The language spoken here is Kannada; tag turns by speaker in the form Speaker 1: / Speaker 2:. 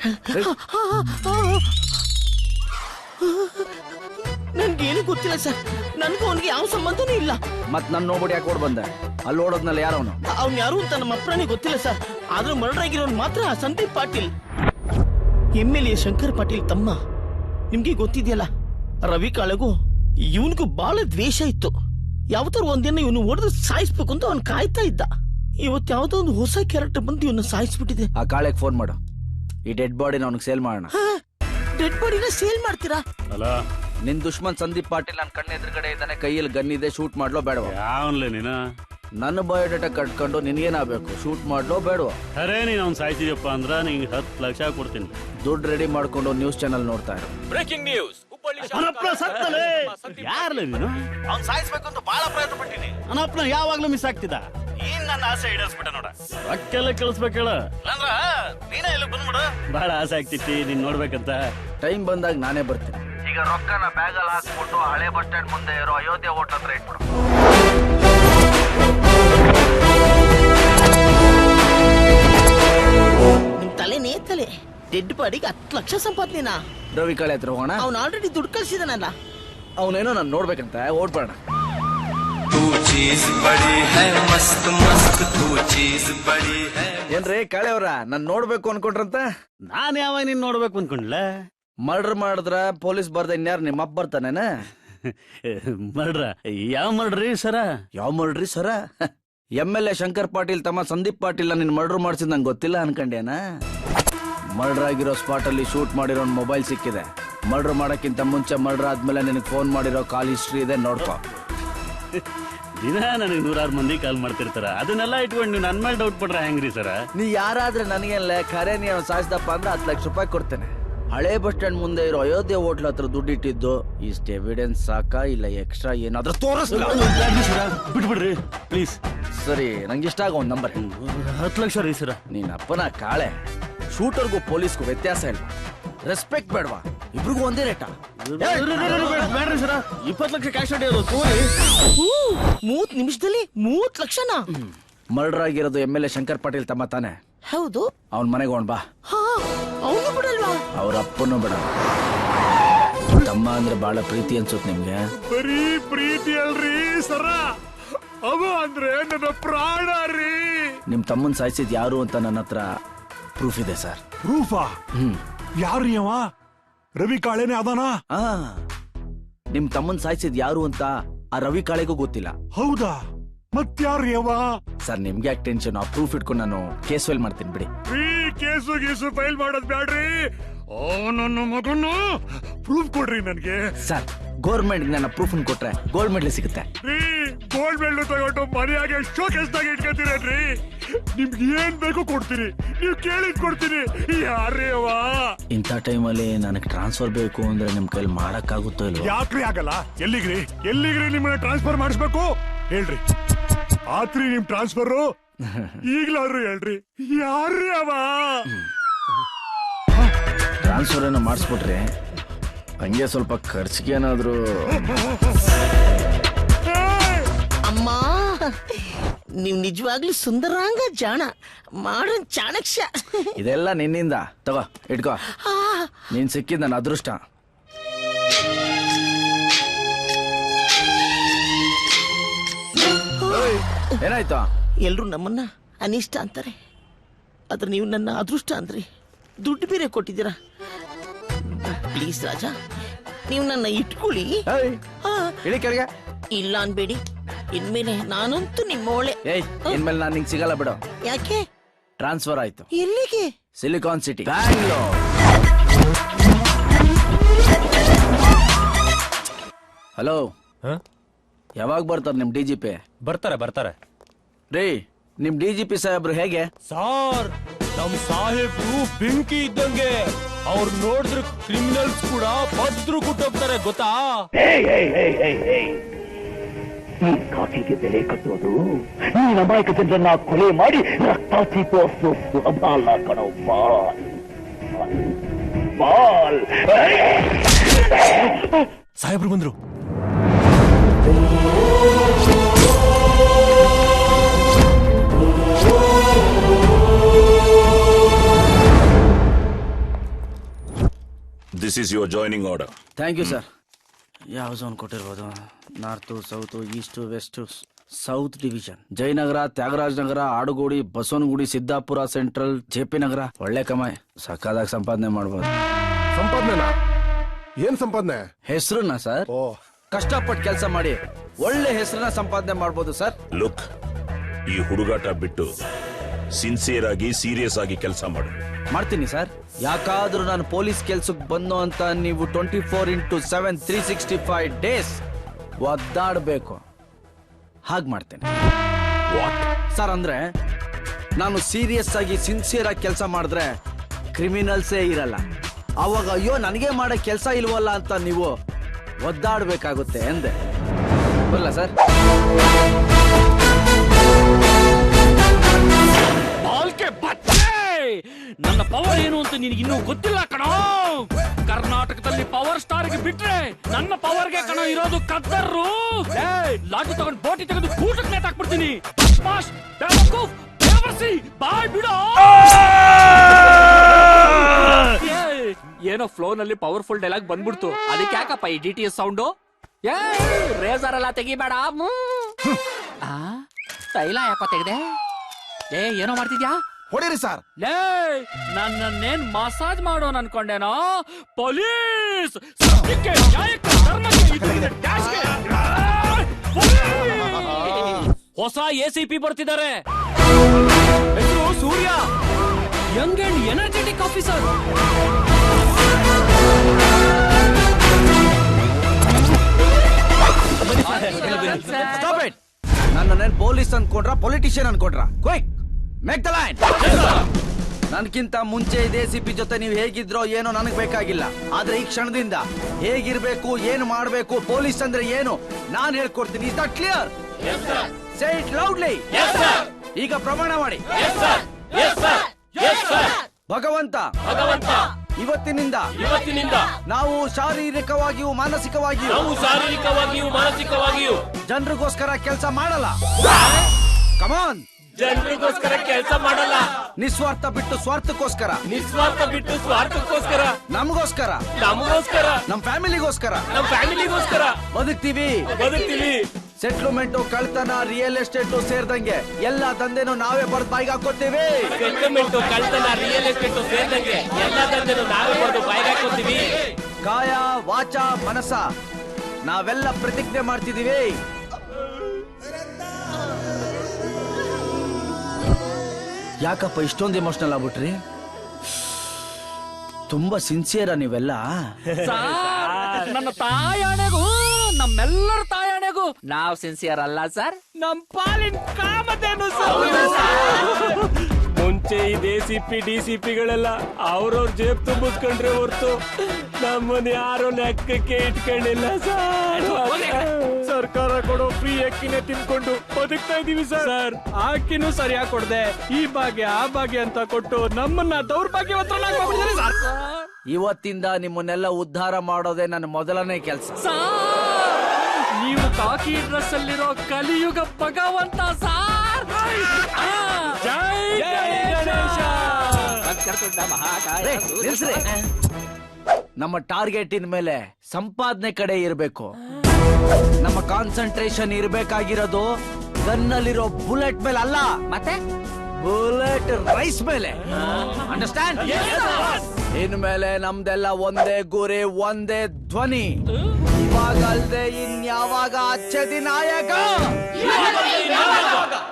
Speaker 1: ನನ್ಗೇನು ಗೊತ್ತಿಲ್ಲ ಸರ್. ನನ್ಗೂ ಅವನಿಗೆ ಯಾವ ಸಂಬಂಧನೂ ಇಲ್ಲ.
Speaker 2: ಮತ್ ನನ್ ನೋಡ್ಬಿಟ್ಟು ಯಾಕೆ ಓಡ್ ಬಂದೆ? ಅಲ್ಲಿ ಓಡೋದ್ನಲ್ಲ ಯಾರವನು?
Speaker 1: ಅವ್ನು ಯಾರು ಅಂತ ನಮ್ಮ ಅಪ್ಪನೇ ಗೊತ್ತಿಲ್ಲ ಸರ್. ಆದ್ರೂ ಮರ್ಡರ್ ಆಗಿರೋನ್ ಮಾತ್ರ ಸಂದೀಪ್ ಪಾಟೀಲ್, MLA ಶಂಕರ್ ಪಾಟೀಲ್ ತಮ್ಮ. ನಿಮ್ಗೆ ಗೊತ್ತಿದೆಯಲ್ಲ, ರವಿ ಕಾಳೆಗೂ ಇವನ್ಗೂ ಬಹಳ ದ್ವೇಷ ಇತ್ತು. ಯಾವತ್ತಾರು ಒಂದಿನ ಇವನು ಹೊಡೆದು ಸಾಯಿಸ್ಬೇಕು ಅಂತ ಅವ್ನು ಕಾಯ್ತಾ ಇದ್ದ. ಇವತ್ತು ಯಾವ್ದೋ ಒಂದು ಹೊಸ ಕ್ಯಾರೆಕ್ಟರ್ ಬಂದು ಇವನ್ನ ಸಾಯಿಸ್ಬಿಟ್ಟಿದೆ.
Speaker 2: ಆ ಕಾಳೆಗೆ ಫೋನ್ ಮಾಡು, ಈ ಡೆಡ್ ಬಾಡಿನ ಅವ್ನಿಗೆ ಸೇಲ್ ಮಾಡೋಣ.
Speaker 1: ಡೆಡ್ ಬಾಡಿನ ಸೇಲ್ ಮಾಡ್ತೀರಾ?
Speaker 3: ಅಲ್ಲ,
Speaker 2: ನಿನ್ ದುಶ್ಮನ್ ಸಂದೀಪ್ ಪಾಟೀಲ್ ನನ್ನ ಕಣ್ಣ ಎದುರುಗಡೆ ಇದ್ದಾನೆ, ಕೈಯಲ್ಲಿ ಗನ್ ಇದೆ, ಶೂಟ್ ಮಾಡ್ಲೋ ಬೇಡವಾ?
Speaker 3: ಯಾವನ್ಲೆ ನೀನು?
Speaker 2: ನನ್ನ ಬಯೋಡೇಟಾ ಕಟ್ಕೊಂಡು ನಿನ್ಗೇನಾಗಬೇಕು? ಶೂಟ್ ಮಾಡ್ಲೋ ಬೇಡವಾ?
Speaker 3: ಅರೇ ನೀನ್ ಅವ್ನು ಸಾಯ್ತಿದ್ಯಪ್ಪ ಅಂದ್ರ ನಿಂಗೆ 10 ಲಕ್ಷ ಕೊಡ್ತೀನಿ.
Speaker 2: ದುಡ್ಡು ರೆಡಿ ಮಾಡ್ಕೊಂಡು ನ್ಯೂಸ್ ಚಾನಲ್ ನೋಡ್ತಾ ಇರು.
Speaker 4: Breaking news.
Speaker 3: ಯಾರ್ಲೆ ನೀನು?
Speaker 2: ಅವ್ನ್ ಸಾಯಿಸ್ಬೇಕು ಅಂತ ಬಹಳ ಪ್ರಯತ್ನ ಪಟ್ಟಿನಿ.
Speaker 3: ಅನಪ್ಪನ ಯಾವಾಗ್ಲೂ ಮಿಸ್ ಆಗ್ತಿದ್ದ.
Speaker 2: ಏನ್ ನನ್ನ ಆಸೆ ಈಡೇರಿಸ್ಬಿಟ್ಟ ನೋಡ.
Speaker 3: ರೊಕ್ಕೆಲ್ಲ ಕಳಿಸ್ಬೇಕೇಳ
Speaker 2: ಅಂದ್ರ ನೀನೇ ಇಲ್ಲಿ ಬಂದ್ಬಿಡು.
Speaker 3: ಬಹಳ ಆಸೆ ಆಗ್ತಿತ್ತು ನೀನ್ ನೋಡ್ಬೇಕಂತ.
Speaker 2: ಟೈಮ್ ಬಂದಾಗ ನಾನೇ ಬರ್ತೀನಿ. ಈಗ ರೊಕ್ಕನ ಬ್ಯಾಗಲ್ಲಿ ಹಾಕ್ಬಿಟ್ಟು ಹಳೆ ಬಸ್ ಸ್ಟ್ಯಾಂಡ್ ಮುಂದೆ ಇರೋ ಅಯೋಧ್ಯೆ ಹೋಟ್ಲ್ ಹತ್ರ ಇಟ್ಬಿಡು.
Speaker 1: ನಿಮ್ ತಲೆನೇ ತಲೆ. ಡೆಡ್ ಬಾಡಿಗೆ 10 ಲಕ್ಷ ಸಂಪಾದನೆನಾ?
Speaker 2: ರವಿ ಕಾಳೆ ಹತ್ರ ಹೋಗೋಣ.
Speaker 1: ಅವ್ನು ಆಲ್ರೆಡಿ ದುಡ್ಡು ಕಳ್ಸಿದಾನಲ್ಲ.
Speaker 2: ಅವನೇನೋ ನಾನು ನೋಡ್ಬೇಕಂತ ಓಡ್ಬೇಡ. ಏನ್ರಿ ಕಾಳೆ ಅವ್ರ ನಾನ್ ನೋಡ್ಬೇಕು ಅನ್ಕೊಂಡ್ರಂತ?
Speaker 3: ನಾನ್ ಯಾವಾಗ ನೀನ್ ನೋಡ್ಬೇಕು ಅನ್ಕೊಂಡ್ಲ?
Speaker 2: ಮರ್ಡರ್ ಮಾಡಿದ್ರ ಪೊಲೀಸ್ ಬರ್ದ ಇನ್ಯಾರು ನಿಮ್ಮ ಅಪ್ಪ ಬರ್ತಾನೇನ?
Speaker 3: ಮರ್ಡ್ರ? ಯಾವ ಮರ್ಡ್ರಿ ಸರ?
Speaker 2: ಯಾವ ಮರ್ಡ್ರಿ ಸರ? MLA ಶಂಕರ್ ಪಾಟೀಲ್ ತಮ್ಮ ಸಂದೀಪ್ ಪಾಟೀಲ್ ನಿನ್ ಮರ್ಡರ್ ಮಾಡ್ಸಿದ್ ನಂಗೆ ಗೊತ್ತಿಲ್ಲ ಅನ್ಕಂಡೇನ? ಮರ್ಡರ್ ಆಗಿರೋ ಸ್ಪಾಟ್ ಅಲ್ಲಿ ಶೂಟ್ ಮಾಡಿರೋ ಮೊಬೈಲ್ ಸಿಕ್ಕಿದೆ. ಮರ್ಡರ್ ಮಾಡಕ್ಕಿಂತ ಮುಂಚೆ ಮರ್ಡರ್ ಆದ್ಮೇಲೆ ನಿನಗೆ ಫೋನ್ ಮಾಡಿರೋ ಕಾಲ್ ಹಿಸ್ಟ್ರಿ ಇದೆ, ನೋಡ್ಕೋ.
Speaker 3: ದಿನ ನನಗೆ 100 ಮಂದಿ ಕಾಲ್ ಮಾಡ್ತಿರ್ತಾರ. ಅದನ್ನೆಲ್ಲ ಇಟ್ಕೊಂಡು ನೀವು ನನ್ ಮೇಲೆ ಡೌಟ್ ಪಡ್ರ ಹೆಂಗ್ರಿ ಸರ?
Speaker 2: ನೀ ಯಾರಾದ್ರೆ ನನಗೇನ್ಲ ಖರೆ ನೀ ಸಾಯಿಸ್ದಪ್ಪ ಅಂದ್ರೆ 10 ಲಕ್ಷ ರೂಪಾಯಿ ಕೊಡ್ತೇನೆ. ಹಳೆ ಬಸ್ ಸ್ಟ್ಯಾಂಡ್ ಮುಂದೆ ಇರೋ ಅಯೋಧ್ಯೆ ಹೋಟ್ಲ್ ಹತ್ರ ದುಡ್ಡಿಟ್ಟಿದ್ದು ಇಷ್ಟ ಎವಿಡೆನ್ಸ್ ಸಾಕಾ ಇಲ್ಲ ಎಕ್ಸ್ಟ್ರಾ ಏನಾದ್ರೂ ತೋರಿಸ್ಲ?
Speaker 3: ಬಿಟ್ಬಿಡ್ರಿ ಪ್ಲೀಸ್.
Speaker 2: ಸರಿ, ನಂಗೆ ಇಷ್ಟ ಆಗೋ ಒಂದ್ ನಂಬರ್.
Speaker 3: 10 ಲಕ್ಷ ರೀ ಸರ.
Speaker 2: ನೀನ್ ಅಪ್ಪನ ಕಾಳೆ. ಶೂಟರ್ಗೂ ಪೊಲೀಸ್ಗೂ ವ್ಯತ್ಯಾಸ ಇಲ್ವಾ? ರೆಸ್ಪೆಕ್ಟ್ ಬೇಡವಾ? ಇಬ್ರಿಗೂ ಒಂದೇ ರೇಟಾ?
Speaker 3: ಬೇಡ್ರಿ ಸರ, 20 ಲಕ್ಷ ಕ್ಯಾಶ್ ಹೊಡೆಯೋದು.
Speaker 1: 3 ನಿಮಿಷದಲ್ಲಿ 30 ಲಕ್ಷನಾ?
Speaker 2: ಮರ್ಡರ್ ಆಗಿರೋದು MLA ಶಂಕರ್ ಪಾಟೀಲ್ ತಮ್ಮ ತಾನೆ?
Speaker 1: ಹೌದು.
Speaker 2: ಅವನ್ ಮನೆಗೆ ಹೋಗ್ ಬಾ.
Speaker 1: ಅವನು ಬಿಡಲ್ವಾ?
Speaker 2: ಅವ್ರ ಅಪ್ಪನೂ ಬಿಡ. ತಮ್ಮ ಅಂದ್ರೆ ಬಹಳ ಪ್ರೀತಿ ಅನ್ಸುತ್ತೆ ನಿಮ್ಗೆ?
Speaker 5: ಬರೀ ಪ್ರೀತಿ ಅಲ್ರಿ ಸರ, ಅವ ಅಂದ್ರೆ ನನ್ನ ಪ್ರಾಣ ರೀ.
Speaker 2: ನಿಮ್ ತಮ್ಮನ್ ಸಾಯಿಸಿದ್ ಯಾರು ಅಂತ ನನ್ನ ಹತ್ರ ಪ್ರೂಫ್ ಇದೆ ಸರ್.
Speaker 5: ಪ್ರೂಫಾ? ಯಾರ್ರೀ ಅವ? ರವಿ ಕಾಳೆನೆ ಅದಾನ?
Speaker 2: ನಿಮ್ ತಮ್ಮನ್ ಸಾಯಿಸಿದ್ ಯಾರು ಅಂತ ಆ ರವಿ ಕಾಳೆಗೂ ಗೊತ್ತಿಲ್ಲ.
Speaker 5: ಹೌದಾ? ಮತ್ಯಾರ್ರೀ ಅವ?
Speaker 2: ಸರ್ ನಿಮ್ಗೆ ಯಾಕೆ ಟೆನ್ಷನ್? ಆ ಪ್ರೂಫ್ ಇಟ್ಕೊಂಡು ನಾನು ಕೇಸ್ ಫೈಲ್ ಮಾಡ್ತೀನಿ ಬಿಡಿ.
Speaker 5: ಕೇಸು ಗೀಸು ಫೈಲ್ ಮಾಡೋದ್ ಬ್ಯಾಡ್ರಿ. ನನ್ನ ಮಗನ್ನ ಪ್ರೂಫ್ ಕೊಡ್ರಿ ನನ್ಗೆ.
Speaker 2: ಸರ್ ಗೌರ್ಮೆಂಟ್ ನನ್ನ ಪ್ರೂಫ್ ಕೊಟ್ರೆ ಗೋಲ್ಡ್ ಮೆಡಲ್ ಸಿಗುತ್ತೆ.
Speaker 5: ಗೋಲ್ಡ್ ಮೆಡಲ್ ತಗೊಂಡು ಮನೆಯಾಗೆ ಶೋಕೇಸ್ದಾಗ ಇಟ್ಕೊತೀರೇನ್ರಿ? ನಿಮ್ಗೆ ಏನ್ ಬೇಕು ಕೊಡ್ತೀನಿ, ನೀವ್ ಕೇಳಿದ್ ಕೊಡ್ತೀನಿ. ಯಾರೇ ಅವ?
Speaker 2: ಇಂಥ ಟೈಮಲ್ಲಿ ನನಗೆ ಟ್ರಾನ್ಸ್ಫರ್ ಬೇಕು ಅಂದ್ರೆ ನಿಮ್ ಕೈಲಿ ಮಾಡಕ್ಕಾಗುತ್ತೋ ಇಲ್ವಾ?
Speaker 5: ಯಾಕ್ರಿ ಆಗಲ್ಲ? ಎಲ್ಲಿಗ್ರಿ ನಿಮ್ಮನ್ನ ಟ್ರಾನ್ಸ್ಫರ್ ಮಾಡಿಸ್ಬೇಕು ಹೇಳ್ರಿ. ಆತ್ರಿ ನಿಮ್ ಟ್ರಾನ್ಸ್ಫರ್ ಈಗ್ಲಾದ್ರು ಹೇಳ್ರಿ. ಯಾರೇ ಅವ?
Speaker 2: ಟ್ರಾನ್ಸ್ಫರ್ ಏನೋ ಮಾಡಿಸ್ಬಿಟ್ರೆ ಹಂಗೆ ಸ್ವಲ್ಪ ಖರ್ಚಿಗೆ ಏನಾದ್ರು.
Speaker 1: ಅಮ್ಮ, ನೀವ್ ನಿಜವಾಗ್ಲೂ ಸುಂದರಾಂಗ, ಜಾಣ, ಮಾಡನ್ ಚಾಣಕ್ಯ.
Speaker 2: ಇದೆಲ್ಲ ನಿನ್ನಿಂದ. ತಗೋ ಇಟ್ಕೋ, ನೀನ್ ಸಿಕ್ಕಿದ್ ನನ್ನ ಅದೃಷ್ಟ. ಏನಾಯ್ತು?
Speaker 1: ಎಲ್ರು ನಮ್ಮನ್ನ ಅನಿಷ್ಟ ಅಂತಾರೆ, ಆದ್ರೆ ನೀವು ನನ್ನ ಅದೃಷ್ಟ ಅಂದ್ರಿ. ದುಡ್ಡು ಬೇರೆ ಕೊಟ್ಟಿದ್ದೀರಾ. ಪ್ಲೀಸ್ ರಾಜ, ನೀವು ನನ್ನ ಇಟ್ಕೊಳ್ಳಿ.
Speaker 2: ಇಳಿ ಕೆಳಗೆ.
Speaker 1: ಇಲ್ಲ ಅನ್ಬೇಡಿ, ಇನ್ಮೇಲೆ ನಾನಂತೂ ನಿಮ್ಮೋಳೆ.
Speaker 2: ಇನ್ಮೇಲೆ ನಾನು ನಿಂಗೆ ಸಿಗಲ್ಲ ಬಿಡು.
Speaker 1: ಯಾಕೆ?
Speaker 2: ಟ್ರಾನ್ಸ್ಫರ್ ಆಯ್ತು.
Speaker 1: ಎಲ್ಲಿಗೆ?
Speaker 2: Silicon city, Bangalore. ಹಲೋ, ಯಾವಾಗ ಬರ್ತಾರೆ ನಿಮ್ DGP?
Speaker 4: ಬರ್ತಾರೆ
Speaker 2: ರೀ, ನಿಮ್ DGP ಸಾಹೇಬ್ರು ಹೇಗೆ?
Speaker 4: ಸಾರ್, ನಮ್ ಸಾಹೇಬ್ರು ಬೆಂಕಿ ಇದ್ದಂಗೆ. ಅವ್ರು ನೋಡಿದ್ರೆ ಕ್ರಿಮಿನಲ್ಸ್ ಕೂಡ ಭದ್ರು ಕುಟ್ಟೋಗ್ತಾರೆ, ಗೊತ್ತಾ?
Speaker 6: ಈ ಕಾಫಿಗೆ ಬೆಲೆ ಕಟ್ಟೋದು, ನೀನ್ ಅಮಾಯಕ ಜನರನ್ನ ಕೊಲೆ ಮಾಡಿ ರಕ್ತ ಚೀಪೋಸು ಸುಲಭ ಅಲ್ಲ ಕಣೋ. ಬಾಲ್
Speaker 4: ಸಾಹೇಬ್ರು ಬಂದ್ರು.
Speaker 7: this is your joining order.
Speaker 2: Thank you sir. ಯಾವ ಝೋನ್ ಕೊಟ್ಟಿರ್ಬೋದು? North, south, east, west, south division. Jayanagar, Thyagaraj Nagar, Adugodi, Basavanagudi, Siddapura central, JP Nagar. ಒಳ್ಳೆ ಕಮಾಯಿ, ಸಕ್ಕದಾಗಿ ಸಂಪಾದನೆ ಮಾಡ್ಬೋದು.
Speaker 8: ಸಂಪಾದನೆ? ಏನ್ ಸಂಪಾದನೆ?
Speaker 2: ಹೆಸರನ್ನ ಸರ್, ಕಷ್ಟಪಟ್ಟು ಕೆಲಸ ಮಾಡಿ ಒಳ್ಳೆ ಹೆಸರನ್ನ ಸಂಪಾದನೆ ಮಾಡ್ಬೋದು ಸರ್.
Speaker 7: ಲುಕ್, ಈ ಹುಡುಗಾಟ ಬಿಟ್ಟು ಸಿನ್ಸಿಯರ್ ಆಗಿ ಸೀರಿಯಸ್ ಆಗಿ ಕೆಲಸ ಮಾಡು.
Speaker 2: ಮಾಡ್ತೀನಿ ಸರ್. ಯಾಕಾದ್ರೂ ನಾನು ಪೊಲೀಸ್ ಕೆಲ್ಸಕ್ಕೆ ಬಂದು ಅಂತ ನೀವು 24x7 365 ಡೇಸ್ ಒದ್ದಾಡಬೇಕು. ಹಾಗೆ ಮಾಡ್ತೇನೆ ಸರ್. ಅಂದ್ರೆ ನಾನು ಸೀರಿಯಸ್ ಆಗಿ ಸಿನ್ಸಿಯರ್ ಆಗಿ ಕೆಲಸ ಮಾಡಿದ್ರೆ ಕ್ರಿಮಿನಲ್ಸೇ ಇರಲ್ಲ. ಅವಾಗ ಅಯ್ಯೋ ನನಗೆ ಮಾಡೋ ಕೆಲಸ ಇಲ್ವಲ್ಲ ಅಂತ ನೀವು ಒದ್ದಾಡಬೇಕಾಗುತ್ತೆ ಎಂದೆ. ಬರಲ್ಲ ಸರ್?
Speaker 3: ನನ್ನ ಪವರ್ ಏನು ಅಂತ ನಿನಗೆ ಇನ್ನೂ ಗೊತ್ತಿಲ್ಲ ಕಣೋ. ಕರ್ನಾಟಕದಲ್ಲಿ ಪವರ್ ಸ್ಟಾರ್ ಗೆ ಬಿಟ್ರೆ ನನ್ನ ಪವರ್ಗೆ ಕಣೋ ಇರೋದು ಕದ್ದರ್ರು. ಲಾಠಿ ತಗೊಂಡು ಬೋಟಿ ತೆಗೆದು ಕೂಟಕ್ಕೆ ನೇತಾಕ್ಬಿಡ್ತೀನಿ. ಬಾಯ್ ಬಿಡೋ. ಏನೋ ಫ್ಲೋ ನಲ್ಲಿ ಪವರ್ಫುಲ್ ಡೈಲಾಗ್ ಬಂದ್ಬಿಡ್ತು. ಅದಕ್ಕೆ ಯಾಕಪ್ಪ ಈ DTS ಸೌಂಡು? ರೇಸರ್ ಎಲ್ಲ ತೆಗಿಬೇಡ. ತೈಲ ಯಾಕೋ ತೆಗ್ದೆ? ಏನೋ ಮಾಡ್ತಿದ್ಯಾ?
Speaker 8: ಹೊಡೀರಿ ಸರ್.
Speaker 3: ಲೇ, ನನ್ನೇನ್ ಮಸಾಜ್ ಮಾಡೋನ್ ಅನ್ಕೊಂಡೇನೋ? ಪೊಲೀಸ್ ಹೊಸ ACP ಬರ್ತಿದ್ದಾರೆ. ಹೆಸರು Surya, young and energetic officer.
Speaker 2: ನನ್ನೇನ್ ಪೊಲೀಸ್ ಅನ್ಕೊಂಡ್ರ, ಪೊಲಿಟಿಷಿಯನ್ ಅನ್ಕೊಂಡ್ರ? Quick make the line. ನನ್ಕಿಂತ ಮುಂಚೆ ಇದೇ ACP ಜೊತೆ ನೀವು ಹೇಗಿದ್ರೋ ಏನೋ ನನಗ್ ಬೇಕಾಗಿಲ್ಲ. ಆದ್ರೆ ಈ ಕ್ಷಣದಿಂದ ಹೇಗಿರ್ಬೇಕು, ಏನು ಮಾಡ್ಬೇಕು, ಪೊಲೀಸ್ ಅಂದ್ರೆ ಏನು ನಾನ್ ಹೇಳ್ಕೊಡ್ತೀನಿ. Is that clear? Say it loudly. ಈಗ ಪ್ರಮಾಣ ಮಾಡಿ. ಭಗವಂತ ಇವತ್ತಿನಿಂದ ನಾವು ಶಾರೀರಿಕವಾಗಿಯೂ ಮಾನಸಿಕವಾಗಿಯೂ ಜನರಿಗೋಸ್ಕರ ಕೆಲಸ ಮಾಡಲ್ಲ. ಕಮಾನ್.
Speaker 3: ಜನರಿಗೋಸ್ಕರ ಕೆಲಸ ಮಾಡಲ್ಲ.
Speaker 2: ನಿಸ್ವಾರ್ಥ ಬಿಟ್ಟು ಸ್ವಾರ್ಥಕ್ಕೋಸ್ಕರ. ನಮಗೋಸ್ಕರ, ನಮ್ ಫ್ಯಾಮಿಲಿಗೋಸ್ಕರ ಬದುಕ್ತೀವಿ. ಸೆಟ್ಲ್ಮೆಂಟ್, ಕಳ್ತನ, ರಿಯಲ್ ಎಸ್ಟೇಟ್ ಸೇರಿದಂಗೆ ಎಲ್ಲಾ ದಂಧೆನೂ ನಾವೇ ಬರ್ದು ಬಾಯಿಗೆ ಹಾಕೋತೀವಿ. ಕಾಯ, ವಾಚ, ಮನಸ ನಾವೆಲ್ಲ ಪ್ರತಿಜ್ಞೆ ಮಾಡ್ತಿದೀವಿ. ಯಾಕಪ್ಪ ಇಷ್ಟೊಂದು ಎಮೋಷನಲ್ ಆಗ್ಬಿಟ್ರಿ? ತುಂಬಾ ಸಿನ್ಸಿಯರಾ ನೀವೆಲ್ಲ?
Speaker 3: ನನ್ನ ತಾಯಾಣೆಗೂ, ನಮ್ಮೆಲ್ಲರ ತಾಯಾಣೆಗೂ ನಾವ್ ಸಿನ್ಸಿಯರ್ ಅಲ್ಲ ಸರ್. ನಮ್ ಪಾಲಿನ ಕಾಮಧೇನು ಸರ್.
Speaker 4: ಮುಂಚೆ ಈ ACP DCPಗಳೆಲ್ಲ ಅವ್ರವ್ರ ಜೇಬ್ ತುಂಬಿಸ್ಕೊಂಡ್ರೆ ಹೊರ್ತು ನಮ್ಮನ್ನ ಯಾರು ಲೆಕ್ಕಕ್ಕೆ ಇಟ್ಕೊಂಡಿಲ್ಲ ಸರ್. ಸರ್ಕಾರ ಕೊಡೋ ಫ್ರೀ ಅಕ್ಕಿನೇ ತಿನ್ಕೊಂಡು ಬದುಕ್ತಾ ಇದೀವಿ ಸರ್. ಅಕ್ಕಿನೂ ಸರಿಯಾಗಿ ಕೊಡದೆ ಈ ಭಾಗ್ಯ ಆ ಭಾಗ್ಯ ಅಂತ ಕೊಟ್ಟು ನಮ್ಮನ್ನ ದೌರ್ಭಾಗ್ಯವಂತರನ್ನಾಗಿ ಮಾಡ್ಬಿಟ್ಟಿದ್ದಾರೆ ಸರ್.
Speaker 2: ಇವತ್ತಿಂದ ನಿಮ್ಮನ್ನೆಲ್ಲ ಉದ್ಧಾರ ಮಾಡೋದೇ ನನ್ನ ಮೊದಲನೇ ಕೆಲಸ.
Speaker 3: ನೀವು ಕಾಕಿ ಡ್ರೆಸ್ ಅಲ್ಲಿರೋ ಕಲಿಯುಗ ಭಗವಂತ ಸಾರ್.
Speaker 2: ನಮ್ಮ ಟಾರ್ಗೆಟ್ ಮೇಲೆ ಸಂಪಾದನೆ ಕಡೆ ಇರಬೇಕು. ನಮ್ಮ ಕಾನ್ಸಂಟ್ರೇಷನ್ ಇರಬೇಕಾಗಿರೋದು ಗನ್ನಲ್ಲಿರೋ ಬುಲೆಟ್ ಮೇಲೆ ಅಲ್ಲ, ಮತ್ತೆ ಬುಲೆಟ್ ರೈಸ್ ಮೇಲೆ. ಅಂಡರ್ಸ್ಟ್ಯಾಂಡ್? ಇನ್ಮೇಲೆ ನಮ್ದೆಲ್ಲ ಒಂದೇ ಗುರಿ, ಒಂದೇ ಧ್ವನಿ. ಇವಾಗ ಅಲ್ದೆ ಇನ್ಯಾವಾಗ ಅಚ್ಚದಿ ನಾಯಕ.